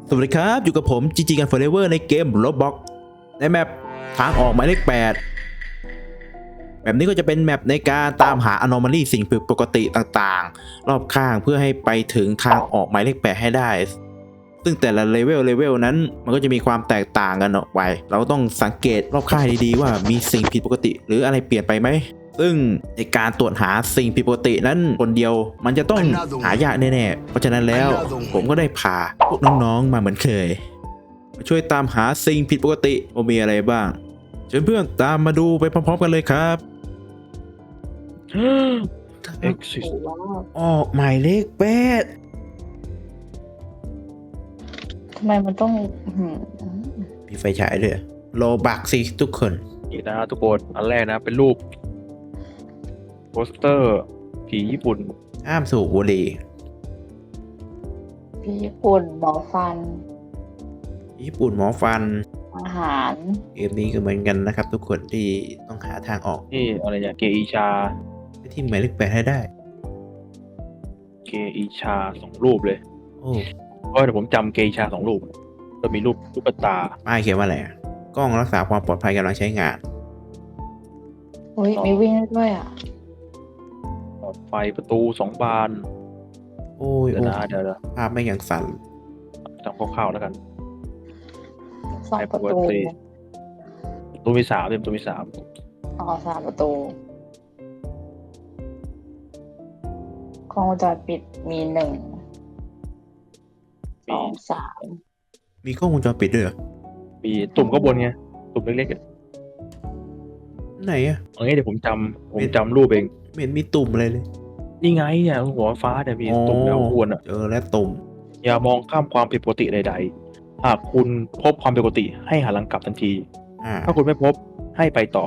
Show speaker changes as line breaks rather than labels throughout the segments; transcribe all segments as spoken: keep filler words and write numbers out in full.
สวัสดีครับอยู่กับผม จี จี กัน Forever ในเกม Roblox ในแมปทางออกหมายเลขแปดแบบนี้ก็จะเป็นแมปในการตามหา anomaly สิ่งผิดปกติต่างๆรอบข้างเพื่อให้ไปถึงทางออกหมายเลขแปดให้ได้ซึ่งแต่ละเลเวลเลเวลนั้นมันก็จะมีความแตกต่างกันออกไปเราต้องสังเกตรอบข้างดีๆว่ามีสิ่งผิดปกติหรืออะไรเปลี่ยนไปไหมซึ่งในการตรวจหาสิ่งผิดปกตินั้นคนเดียวมันจะต้องหายากแน่ๆเพราะฉะนั้นแล้วผมก็ได้พาพวกน้องๆมาเหมือนเคยมาช่วยตามหาสิ่งผิดปกติว่ามีอะไรบ้างเชิญเพื่อนตามมาดูไปพร้อมๆกันเลยครับ
Exit
ออกหมายเลขแปด
ทำไมมันต้องอื้อหือ
มีไฟฉายด้วยโลบักสิทุกคน
นี่นะทุกคนอันแรกนะเป็นรูปโปสเตอร์ผีญี่ปุ่น
ห้ามสูบบุหรี่
พี่ญี่ปุ่นหมอฟัน
ญี่ปุ่นหมอฟัน
อาหาร
เกมนี้ก็เหมือนกันนะครับทุกคนที่ต้องหาทางออก
นี่อะไรเนี่ยเกอิชา
ไปที่หมายเลขแปดให้ได้
เกอิชาสองรูปเลย
โอ้
เพราะเดี๋ยวผมจำเกอิชาสองรูปก็มีรูปลูกตา
ป้ายเขียนว่าอะไรอะกล้องรักษาความปลอดภัยกำลังใช้งาน
อุ้ยมีวิ่งได้ด้วยอ่ะ
หลอดไฟประตูสองบาน
โอ้ย
เดี๋ยว
โอ้
นะเดี๋ยวนะ
ภาพไม่ยังสั่น
จำคร่าวๆแล้วกัน
สองประตู
ไอ้ประตูมีสามเต็มประตูมีสาม
อ๋อสามประตูกล้องวงจรปิดมีหนึ่งสองสาม
มีกล้องวงจรปิดด้วยเหรอ
มีตุ่มก็บนไงตุ่มเล็กๆอะ
ไหนอะ
เอางี้เดี๋ยวผมจำผมจำรูปเอง
ไม่เห็นมีตุ่มอะไรเลย
นี่ไงเนี่ยหัวฟ้าเนี่ยมีตุ่มแล้วอ้วนอ่ะ
เจอแล้วตุ่ม
อย่ามองข้ามความผิดปกติใดๆ หากคุณพบความผิดปกติให้หันหลังกลับทันที
อ่า
ถ้าคุณไม่พบให้ไปต่อ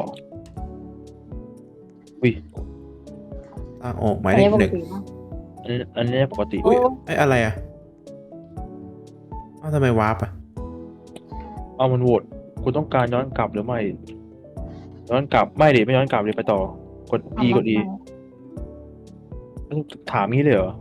อุ้ย
ทางออกหมาย
อัน
เล
นี้
ข
ป
ห
ก
นึ่ง
ติปะ
อันนี้อันนี้ปกติ
อุ้ยไอ้อะไรอะเอ้าทำไมวาร์ปอะ
เอามันโหวตคุณต้องการย้อนกลับหรือไม่ ย้อนกลับไม่ดิไม่ย้อนกลับเลยไปต่อ กด E กด E ถามงี้เลยเหรอ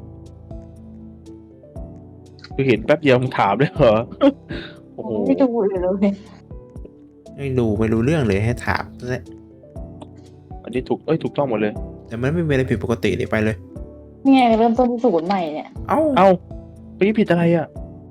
คือเห็นแป๊บเดียวมึงถามเลยเหรอ โอ้โห
ไม่ดูเลยเลย
ไม่ดูไม่รู้เรื่องเลยให้ถามซะ
อันนี้ถูกเอ้ยถูกต้องหมดเลย
แต่มันไม่มีอะไรผิดปกติเลยไปเลย
นี่ไงเริ่มต้นที่ศูนย์ใหม่เนี่ย
เอ้า
เอ้าไปผิดอะไรอ่ะ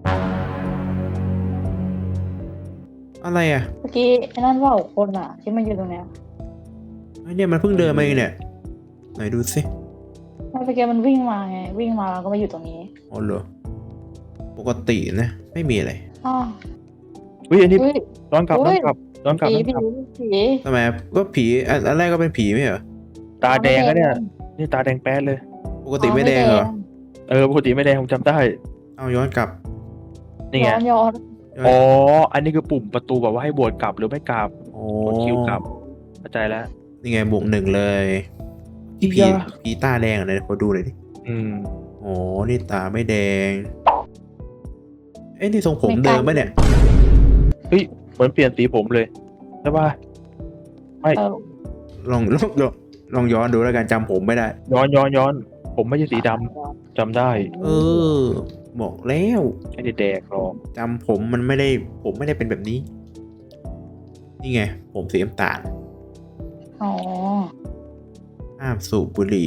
อะไรอ่ะ
เมื่อกี้ไอ้นั่นว่าคนอ่ะ ที่มันอยู่ตรงเนี้ย
ไอเนี่ยมันเพิ่งเดินมาเองเนี่ยไหนดูสิ
เมื่อกี้มันวิ่งมาไงวิ่งมาแล้วก็มาอยู่ตรงนี้
อ๋อเหรอปกตินะไม่มีอะไร
อ้าว
อุ้ยอันนี้
อุ้ย
ย้อนกลับ
อุ๊
ย้อย นกลับย้อนกลับ
ผี
ย้อน
ผี
กลับ
ผี
ทำไมก็ผีอันอันแรกก็เป็นผีไม่เหรอ
ตาแดงก็เนี่ย นี่ตาแดงแป๊ดเลย
ปกติไม่แดงเหรอ
เออปกติไม่แดงผมจำได้
เอาย้อนกลับ
นี่ไง
ย้อนย้อน
ย้อน
อ๋อ อันนี้คือปุ่มประตูแบบว่าให้บวชกลับหรือไม่กลับ
โอ้
กดคิวกลับเข้าใจแล้ว
นี่ไงบวกหนึ่งเลย
อี
ผี
ยา
ผีตาแดงอะไรขอดูหน่อยดิ
อืม
โอ้นี่ตาไม่แดงเอ้ยนี่ทรงผมเดิมปะเนี่ย
เฮ้ยเหมือนเปลี่ยนสีผมเลยใช่ป่ะไม่
เออ
ลองลองลองลองย้อนดูแล้วกันจำผมไม่ได้
ย้อนย้อนย้อน ผมไม่ใช่สีดำจำได้
เออ บอกแล้ว
ไม่ได้แดกหรอก
จำผมมันไม่ได้ผมไม่ได้เป็นแบบนี้ นี่ไง ผมสีน้ำตาล
อ๋อ
ห้ามสูบบุหรี่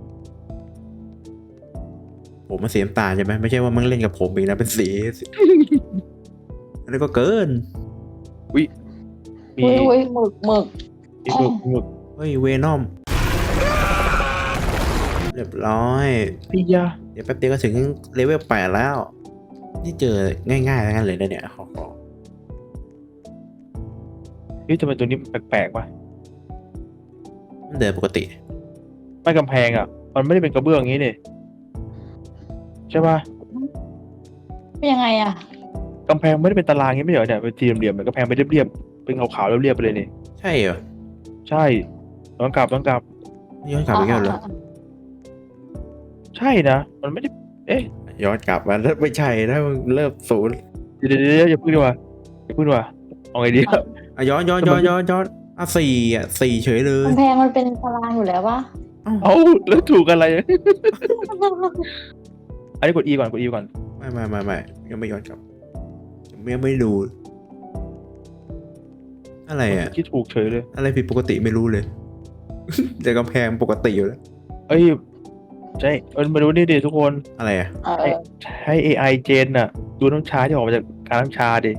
ผมมันสีน้ำตาลใช่ไหมไม่ใช่ว่ามึงเล่นกับผมอีกนะเป็นสีอันนี้ก็เกิน
มี
อุ้ยอุ้ยหมึกหมึก
มีหมึกหมึก
เฮ้ยเวนอม เรียบร้อย
พี่ยา
เดี๋ยวแป๊บเดียวก็ถึงเลเวลแปดแล้ว นี่เจอง่ายๆทั้งนั้นเลยนะเนี่ยขอขอ
เฮ้ยทำไมตัวนี้แปลกๆวะ
มันเดินปกติ
ไม่กำแพงอ่ะ มันไม่ได้เป็นกระเบื้องอย่างนี้นี่ใช่ป่ะ
เป็นยังไงอ่ะ
กำแพงไม่ได้เป็นตารางอย่างนี้ไม่เหรอเนี่ยเป็นสี่เหลี่ยมๆเนี่ยกำแพงเป็นเรียบๆเป็นขาวๆเรียบๆไปเลยนี่
ใช่เหรอ
ใช่ย้อนกลับย้อนกลับ
ย้อนกลับไปแค่เหรอ
ใช่นะ มันไม่ได้ เอ๊ะ
ย้อนกลับมาแล้วไม่ใช่นะมึงเริ่มศูนย์
เดี๋ยวเดี๋ยวเดี๋ยวอย่าพูดดีกว่าอย่าพูดดีกว่าเอาไงดี
อ่ะย้อนย้อนย้อนย้อนย้อนอ่ะสี่อ่ะสี่เฉยเลย
กำแพงมันเป็นตารางอยู่แล้วปะ
เอ้าแล้วถูกอะไร อันนี้กด E ก่อนกด E ก่อน
ไม่ไม่ไม่ไม่ยังไม่ย้อนกลับผมยังไม่ดู อะไรอ่ะ
คิดถูกเฉยเลย
อะไรผิดปกติไม่รู้เลย แต่กำแพงปกติอยู่แล้ว
เอ้ยใช่เออมาดูนี่ดิทุกคน
อะไรอ่ะ
เออ
ให้ เอ ไอ เจนน่ะ ดูน้ำชาที่ออกมาจากการน้ำชาดิ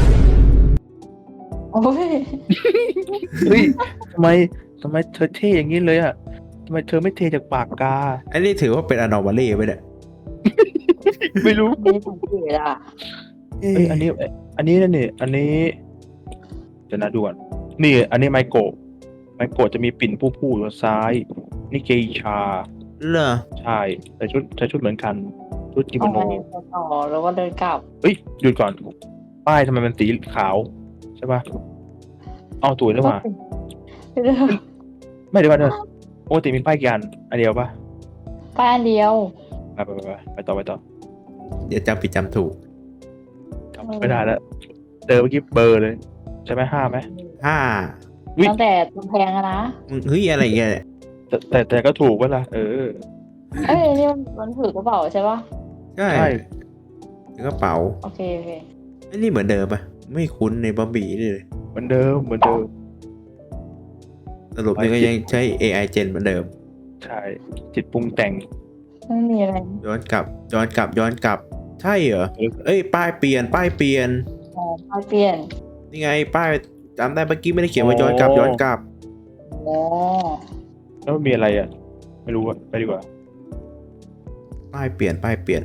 โอ้ย
เฮ้ยทำไมทำไมเธอเท่อย่างนี้เลยอ่ะทำไมเธอไม่เทจากปากกา
อันนี้ถือว่าเป็น anomaly ไหมเนี่ย
ไม่รู้
ไม่สังเกตอ่ะ
เอ้ยอันนี้ อันนี้นั่นนี่อันนี้จะน่าดูก่อนนี่ อันนี้ไมโกะไมโกะจะมีปิ่นผู้ผู้อยู่ซ้าย นี่เกอิชา
เหรอ
ใช่ใส่ชุดใส่ชุดเหมือนกัน ชุดกิโม
เอา
โน
ไงไปต่อแล้วก็เดินกลับ
เฮ้ยหยุดก่อน ป้ายทำไมมันสีขาว ใช่ป่ะเอาตุ๋ยแล้วมา
เรื่อง
ไม่เดี๋ยวก่อนเถอะปกติมีป้ายกี่อันอันเดียวป่ะ
ไปอันเดียว
ไปไปไปไปต่อไปต่อ
เดี๋ยวจำผิดจำถูก
จำไม่ได้แล้วเจอเมื่อกี้เบอร์เลย ใช่ไหมห้าไหม
ห้า
อุ๊ย
ตั้งแต่กำแพงอะนะ
มึงเฮ้ยอะไรเงี้ยเนี่ย
แต่แต่แต่ก็ถูกป่ะล่ะเออ
เอ้ยนี่มันมันถือกระเป๋าใช่ปะ
ใช่
ใช่
ถึงกระเป๋า
โอเคโอเค
ไอ้นี่เหมือนเดิมปะไม่คุ้นในบอมบี้เลย
เหมือนเดิมเหมือนเดิม
สรุปนี่ก็ยังใช้ เอ ไอ Gen เหมือนเดิม
ใช่ จิตปรุงแต่ง
ไม่มีอะไร
ย้อนกลับ ย้อนกลับ ย้อนกลับ ใช่เหรอ เอ้ย ป้ายเปลี่ยน ป้ายเปลี่ยน
อ๋อไปเปลี่ยน
นี่ไง ป้ายจำได้เมื่อกี้ไม่ได้เขียนว่าย้อนกลับ ย้อนกลับ
อ๋อ
แล้วมันมีอะไรอ่ะ ไม่รู้อะไปดีกว่า
ป้ายเปลี่ยน ป้ายเปลี่ยน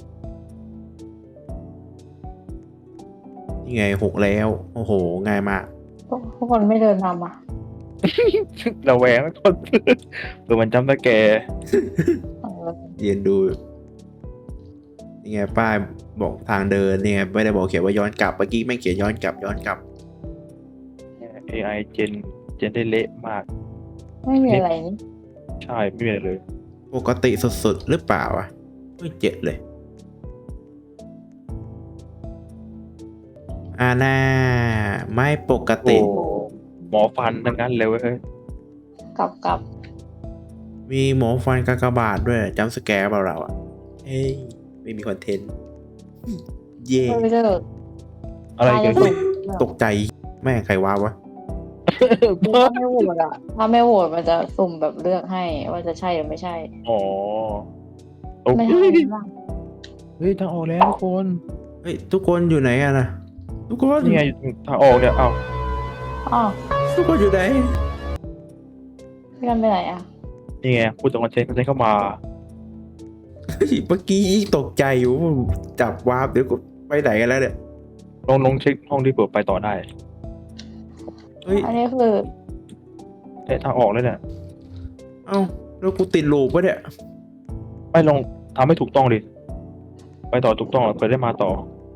นี่ไงหกแล้ว โอ้โห ง่ายมาก
พวกพวกคนไม่เดินทำอ่ะ
เราแหวงแล้วคนเผื่อมันจำตะแก
เออ
ยืนดู นี่ไง ป้ายบอกทางเดินนี่ไงไม่ได้บอกเขียนว่าย้อนกลับ เมื่อกี้แม่งเขียนย้อนกลับ ย้อนกลับ
เอ ไอ เจนเจนได้เละมาก
ไม่มีอะไรนี่
ใช่ไม่มีอะไรเลย
ปกติสุดๆหรือเปล่าอ่ะไม่เจ็ดเลย อ่าน่าไม่ปก
โอ้
ติ
หมอฟันทั้งนั้นเลยเว้ย
กลับกลับ
มีหมอฟันกากบาทด้วยจำสแกร์เปล่าเราอ่ะ เฮ้ย ไม่มีคอนเทนต์ เย่
ไม่เลิก
อะไรเกิด
ต
ขึ้น
ตกใจแม่งใครว้าวะ
ถ้าไม่โหวตอ่ะ ถ้าไม่โหวตมันจะสุ่มแบบเลือกให้ว่าจะใช่หรือไม่ใช่
อ๋อโอ้
ไม่
ย
ใช่บ้าง
เฮ้ยทางออกแล้วทุกคน
เฮ้ย ทุกคนอยู่ไหนอะนะทุกคน
นี่ไงทางออกเนี่ยเอ้า
อ๋อ
ทุกคนอยู่ไหน
พี่กันไปไหนอ่ะ
นี่ไงพูดตรงกันเชนกันเชนเข้ามา
เฮ้ยเมื่อกี้ตกใจอยู่จับวาร์ปเดี๋ยวก็ไปไหนกันแล้วเนี่ย
ลองลองเช็คห้องที่เปิดไปต่อได้
เฮ้ย
อันนี้คือ
เอ๊ะทางออกเลยเนี่ย
เอ้าแล้วกูติดลูปวะเนี่ย
ไม่ลองทำให้ถูกต้องดิไปต่อถูกต้องเผื่อได้มาต่อ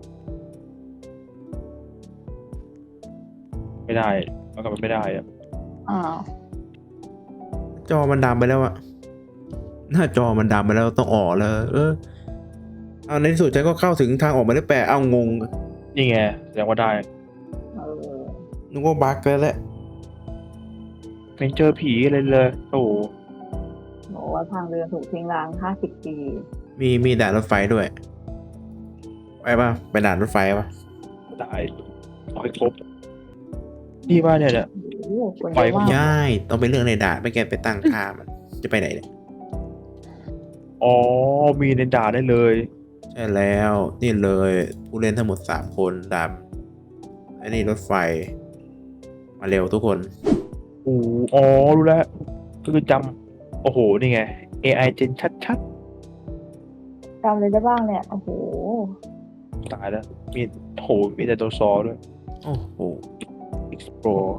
ไม่ได้มันก็ไม่ได้อะ
อ้าว
จอมันดำไปแล้วอะหน้าจอมันดำไปแล้วต้องออกแล้ว เออ เอาในที่สุดฉันก็เข้าถึงทางออกมาได้แปลเอางง
นี่ไงแสดงว่าได้
เออ
นึกว่าบั๊กแล้วแหละ
ไม่เจอผีอะไรเลย โอ้โห
บอกว่าทางเดินถูกทิ้งร้างห้าสิบปี
มีมีด่านรถไฟด้วย ไปป่ะ ไปด่านรถไฟป่ะ
ตายเอาให้ครบนี่ว่าเนี่ยเนี่ย
โอ้โหคน
ปล่
เย
อย
อะมาก
ย่ายต้องไปเรื่องในด่านไม่แกไปตั้งค่ามัน จะไปไหนเนี่ย
อ๋อ มีในด่าได้เลย
ใช่แล้ว นี่เลย ผู้เล่นทั้งหมดสามคนดำอันนี้รถไฟ มาเร็วทุกคน
โอ้อ๋อ รู้แล้ว ก็คือจำโอ้โห นี่ไง เอ ไอ เจนชัด
จำเลยได้บ้างเนี่ย โอ้โห
ๆ ตายแล้ว มีโห มีแต่ตัวซอด้วย
โอ้โห
explore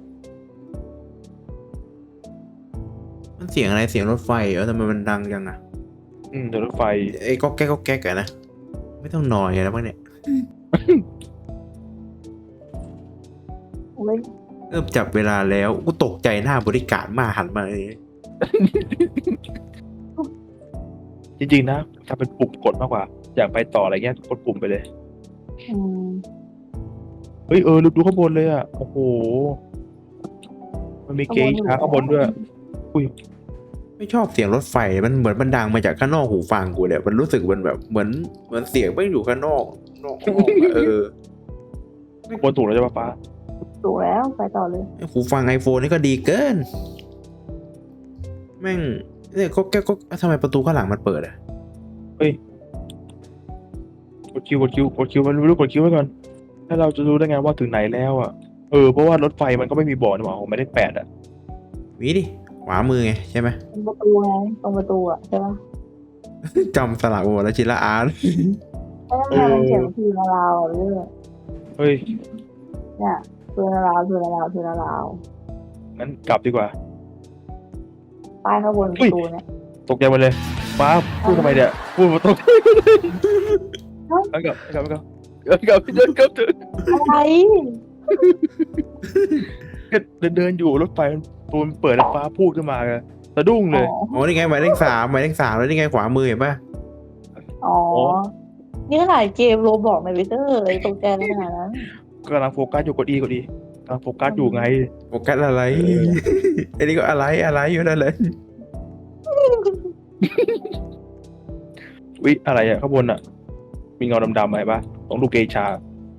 มันเสียงอะไรเสียงรถไฟเหรอทำไมมันดังจังอะ
อืมเดี๋ยวรถไฟ
ไอ้ก็แก๊กก็แก๊กอะนะ ไม่ต้องนอยแล้วมั้งเนี่ย
โอ้ย
เริ่มจับเวลาแล้ว กูตกใจหน้าบริการมาหันมาเลย
จริงๆนะทำเป็นปุ่มกดมากกว่า อยากไปต่ออะไรเงี้ยกดปุ่มไปเลย
อืม
เฮ้ย เออดูดูข้างบนเลยอ่ะ โอ้โห มันมีเกย์ช้าข้างบนด้วย อุ้ย
ไม่ชอบเสียงรถไฟ มันเหมือนมันดังมาจากข้างนอกหูฟังกูเลยมันรู้สึกมันแบบเหมือนเหมือนเสียงไม่อยู่ข้างนอกนอกห้องอะเออ
บนถูกแล้วใช่ปะป้า
ถูกแล้วไปต่อเลย
ไอ้หูฟัง iPhone นี่ก็ดีเกิน แม่งเนี่ยก็แก้ก็ทำไมประตูข้างหลังมันเปิดอ่ะ
กดคิวกดคิวกดคิวมันรู้กดคิวไว้ก่อนถ้าเราจะรู้ได้ไงว่าถึงไหนแล้วอ่ะเออเพราะว่ารถไฟมันก็ไม่มีบอกนะหว่าผมไม่ได้แปดอ่ะ
วิดิขวามือไงใช่ไหม
ตรงประตูไงตรงประตูอ่ะใช่ปะ
จำสลับหมดแล้วชิละอาร์ต
เอ้ยทำไมมันเขียนทีละราวอะเรื่อง
เฮ้ย
เนี่ยทีละราวทีละราวทีละราว
งั้นกลับดีกว่า
ป้ายข้างบนประตูเนี่ย
ตกใจหมดเลยป้าพูดทำไมเนี่ยพูดมาตกใจกลับกลับกลับกลับกลับเดินกลับเดิน
อะไร
เดินเดินอยู่รถไฟประตูมันเปิดแล้วป้าพูดขึ้นมาเลยสะดุ้งเลย
อ๋อ
อ๋อนี่ไงหมายเลขสามหมายเลขสามแล้วนี่ไงขวามือเห็นปะ
อ๋อ นี่ขนาดเกมโรบอกในวิเตอร์เลยตกใจขนาดนั้น
กำลังโฟกัสอยู่กดอีกดอีกำลังโฟกัสอยู่ไง
โฟกัสอะไร
เออ
ไอ้นี่ก็อะไรอะไรอยู่นั่นเลย
วิอะไรอ่ะข้างบนอ่ะ มีเงาดำๆอะไรปะต้องดูเกชา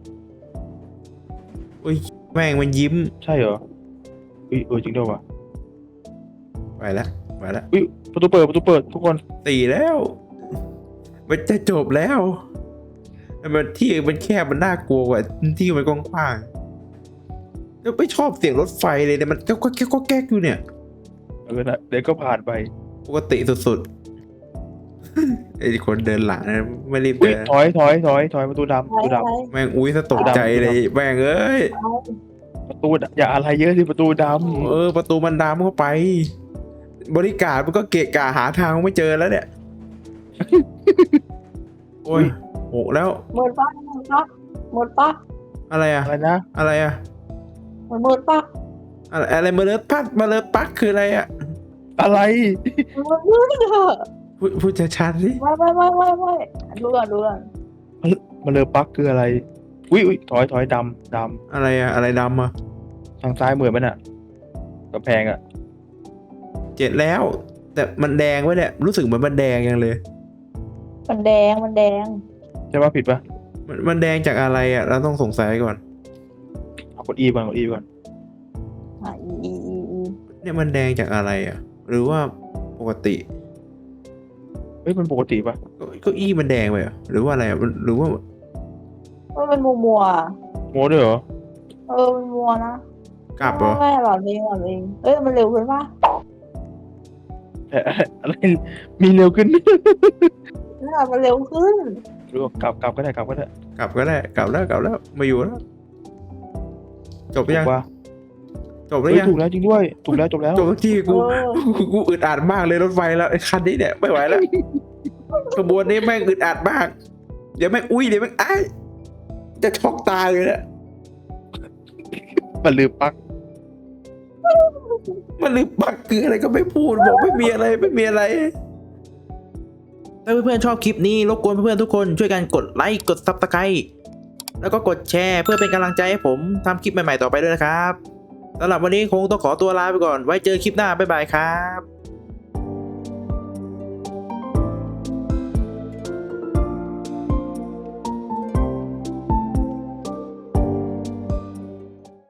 อุ้ยแม่งมันยิ้ม
ใช่เหรอวิเออจริงด้วยวะ
ไปแล้วไปแล้ว
วิประตูเปิดประตูเปิดทุกคน
ตีแล้ว มันจะจบแล้วแต่มันที่มันแคบมันน่ากลัวกว่าที่มันกว้างๆแล้วไม่ชอบเสียงรถไฟเลยเนี่ยมันก็ก็แก๊กก็แก๊กอยู่เนี่ย
เออนะเดี๋ยวก็ผ่านไป
ปกติสุดๆ ไอ้คนเดินหลังนะไม่รีบ
อุ้ย
เดิน
ถอยถอยถอยถอยประตูดำประตูด
อะไร
แม่งอุ้ยสะตกใจเลยแม่งเอ้ย
ำประตูดำอย่าอะไรเยอะสิประตูด
เออประตูมันดำเข้าไป บริการมันก็เกะกะหาทางไม่เจอแล้วเนี่ย โอ้ยโหแล้ว
หมดปะหมดปะหมดปะ
อะไร
ำ
อะ
อะไรนะ
อะไรอะ
หมดหมดปะ
อะไรอะไรมาเลอปักมาเลอปักคืออะไรอะ
อะไร
หมดมืดเถอะ
พูดพูดชัดๆสิ
ไม่ไม่ไม่ไม่ไม่ดูก่อนดูก่อน
มาเลยปักคืออะไรอุ้ยอุ้ยถอยถอยดำด
อะไรอะอะไรดำอะ
ำทางซ้ายมือมันอ่ะกำแพงอ่ะ
เจ็ดแล้ว แต่มันแดงไว้เนี่ยรู้สึกเหมือนมันแดงยังเลย
มันแดงมันแดง
ใช่ปะผิดปะ
มันมันแดงจากอะไรอะเราต้องสงสัยก่อน
เอากดอีก่อนกดอีก่อน
อ่ะอีอีอีอี
เนี่ยมันแดงจากอะไรอะหรือว่าปกติ
เฮ้ยมันปกติปะ
เก็เก็อี้มันแดงไปเหรอหรือว่าอะไรอะมันหรือว่า
มันเป็นมัวมัวๆอะ
โม้ด้วยเหรอ
เออมันมัวนะ
กลับเหรอ
ไม่ไม่หลอดเองหลอดเองเอ้ยมันเร็วขึ้นปะ
เอ๊ะอะไรมีเร็วขึ้น
น่ามันเร็วขึ้น
หรือว่ากลับกลับก็ได้กลับก็ได้
กลับก็ได้กลับแล้วกลับแล้วมาอยู่แล้วจบหรือยัง
ถูกปะ
จบหรื
เฮ้
อย ยัง
ถูกแล้วจริงด้วยถูกแล้วจบแล้ว
จบสักทีกู
เออ
กูกูอึดอัดมากเลยรถไฟแล้วไอ้คันนี้เนี่ยไม่ไหวแล้ว ขบวนนี้แม่งอึดอัดมากเดี๋ยวแม่งอุ้ยเดี๋ยวแม่งไอ้ายจะช็อกตายเลยเนี่ย
มันลืมปัก
มันลืมปักคืออะไรก็ไม่พูดบอกไม่มีอะไรไม่มีอะไร ถ้าเพื่อนๆชอบคลิปนี้รบกวนเพื่อนๆทุกคนช่วยกันกดไลค์กดซับสไครต์แล้วก็กดแชร์เพื่อเป็นกำลังใจให้ผมทำคลิปใหม่ๆต่อไปด้วยนะครับสำหรับวันนี้คงต้องขอตัวลาไปก่อนไว้เจอคลิปหน้าบ๊ายบายครับ